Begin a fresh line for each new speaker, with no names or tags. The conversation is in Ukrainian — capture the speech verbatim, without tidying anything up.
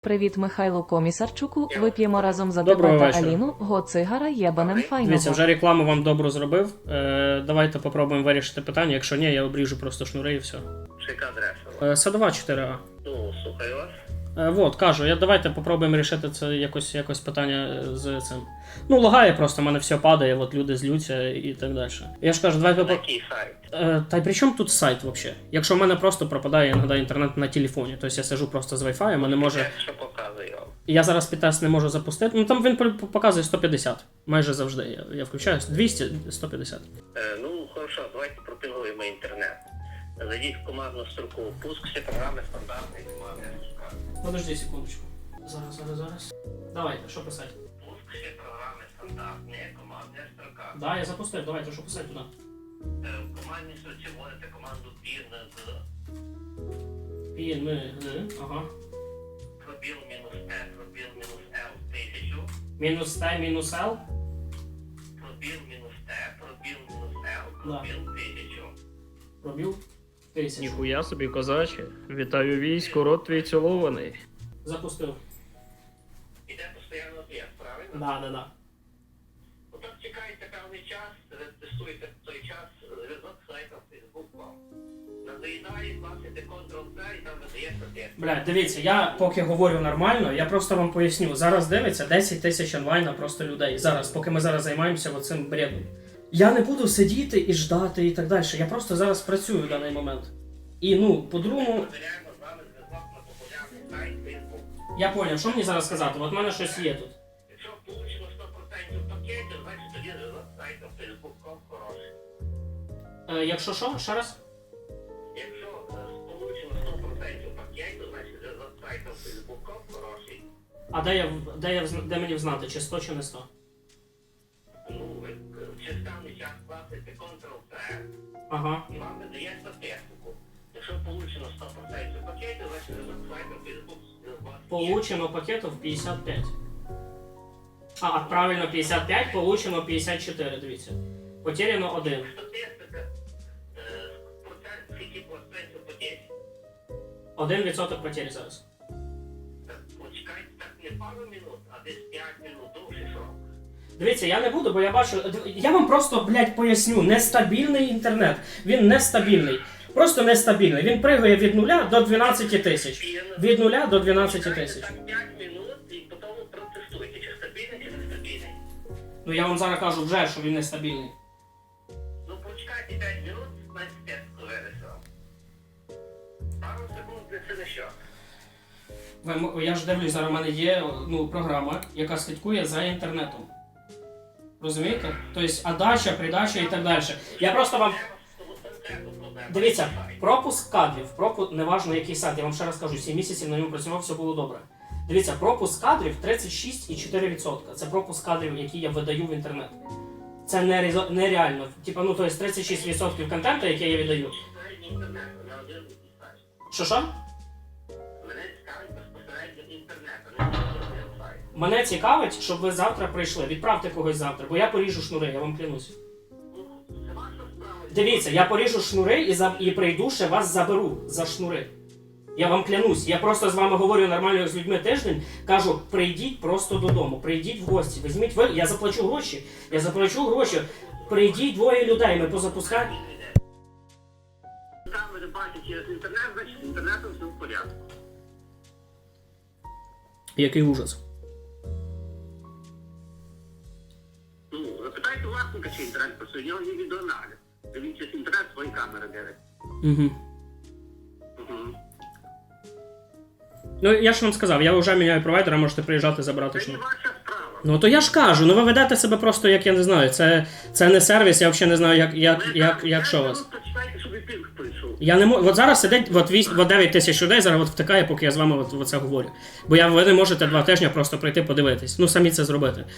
Привіт Михайлу Комісарчуку, вип'ємо разом за
Доброго
тебе та
вечора.
Аліну, го цигара єбанем файного.
Дивіться, вже рекламу вам добру зробив. Е, давайте попробуємо вирішити питання. Якщо ні, я обріжу просто шнури і все.
Яка адреса?
Е, Садова чотири А.
Ну, слухаю вас.
Е, вот, кажу, я давайте попробуємо рішити це якось, якось питання з цим. Ну, лагає просто, в мене все падає, от люди злються і так далі. Я ж кажу, давайте
На
по...
який сайт?
Е, та й при чому тут сайт взагалі? Якщо в мене просто пропадає іноді інтернет на телефоні, тобто я сижу просто з Wi-Fi, мене може.
Як що показує вам?
Я зараз підтест не можу запустити. Ну там він по- показує сто п'ятдесят. Майже завжди. Я, я включаю двісті сто п'ятдесят.
Е, ну, хорошо, давайте пропілуємо інтернет. Зайдіть в командну строку пуск, всі програми стандартні, командна строка.
Подожди секундочку. Зараз, зараз, зараз. Давайте, що писати?
Пуск, всі програми стандартні, командна строка.
Да, я запустив, давайте, що писати туди?
Е, в командній строці вводите команду пін-г,
Пін, ми, г, ага.
пробіл мінус Т, пробіл мінус Л, тисячу,
Мінус Т, мінус Л.
пробіл мінус Т, пробіл мінус Л,
Да.
пробіл тисячу.
Пробіл. Тисячу.
Ніхуя собі, козаче. Вітаю війську, рот твій цілований.
Запустив.
Іде постійно об'єкт, правильно?
Да, да, да.
Ну так чекайте певний час, тестуйте той час, зв'язок з сайтом Facebook вам. Надоїдає, класите контрол-Ц і там видається текст.
Бля, дивіться, я поки говорю нормально, я просто вам поясню. Зараз дивиться десять тисяч онлайна просто людей. Зараз, поки ми зараз займаємося оцим бредом. Я не буду сидіти і ждати і так далі. Я просто зараз працюю в даний момент. І ну, по-другому,
Перевіряємо з вами зв'язок на популярний сайт Facebook.
я поняв, що мені зараз сказати? От в мене щось є тут.
Якщо получено сто відсотків пакетів, значить тоді зв'язок з сайтом Facebook точка ком хороший.
Е, якщо що, ще раз?
Якщо е, получено сто відсотків пакетів, значить зв'язок з сайтом Facebook точка ком хороший.
А де я, в- де я взна- де мені взнати, чи сто, чи не сто?
Ну, ви е, в чистаний час класите контрол-Ц,
Ага.
і вам видає статистику. Якщо получено сто відсотків пакетів, значить зв'язок з сайтом Facebook у вас є.
Получено пакетів п'ятдесят п'ять. А, правильно, п'ятдесят п'ять, получено п'ятдесят чотири, дивіться. Потеряно один.
Статистика, е, процент, скільки процентів потерь.
Один відсоток потері зараз.
Так, почекайте так не пару минут, а десь п'ять минут, довший срок.
Дивіться, я не буду, бо я бачу. Я вам просто, блядь, поясню. Нестабільний інтернет. Він нестабільний. Просто нестабільний. Він пригає від нуля до дванадцяти тисяч. Від нуля до дванадцяти тисяч.
Так п'ять минут і потім протестуйте, чи стабільний, чи нестабільний.
Ну я вам зараз кажу вже, що він нестабільний.
Ну почекайте п'ять минут, значить тест вирішив. Пару секунд це не що.
Ви м- Я ж дивлюсь, зараз у мене є ну, програма, яка слідкує за інтернетом. Розумієте? Тобто адача, придача і так далі. Я просто вам. Дивіться, пропуск кадрів, пропуск, неважно який сайт, я вам ще раз кажу, сім місяців на ньому працював, все було добре. Дивіться, пропуск кадрів тридцять шість цілих чотири десятих відсотка. Це пропуск кадрів, які я видаю в інтернет. Це нерезо- нереально. Типа, ну, тобто тридцять шість відсотків контенту, який я видаю. Що що?
Мене цікавить безпосередньо інтернет, а не тільки сайт.
Мене цікавить, щоб ви завтра прийшли. Відправте когось завтра, бо я поріжу шнури, я вам клянусь.
Ну, це ваша справа.
Дивіться, я поріжу шнури і, за... і прийду, ще вас заберу за шнури. Я вам клянусь, я просто з вами говорю нормально як з людьми тиждень, кажу, прийдіть просто додому, прийдіть в гості, візьміть ви, я заплачу гроші, я заплачу гроші, прийдіть двоє людей, ми позапускаємо.
Камери бачать через інтернет, значить з інтернетом все в порядку.
Який ужас.
Ну, запитайте власника, чи інтернет працює, у нього є відеоаналіз. Він через інтернет свої камери дивить.
Угу.
Угу.
Ну, я ж вам сказав, я вже міняю провайдера, можете приїжджати забрати
Це не
шнур.
ваша справа.
Ну то я ж кажу, ну ви ведете себе просто, як я не знаю, це, це не сервіс, я взагалі не знаю, як, як, як, як що у вас.
Ну, почитайте, щоб і пінг прийшов.
Я не можу. От зараз сидить от, вісь- от дев'ять тисяч людей, зараз от втикає, поки я з вами от, от це говорю. Бо я, ви не можете два тижні просто прийти подивитись. Ну самі це зробити.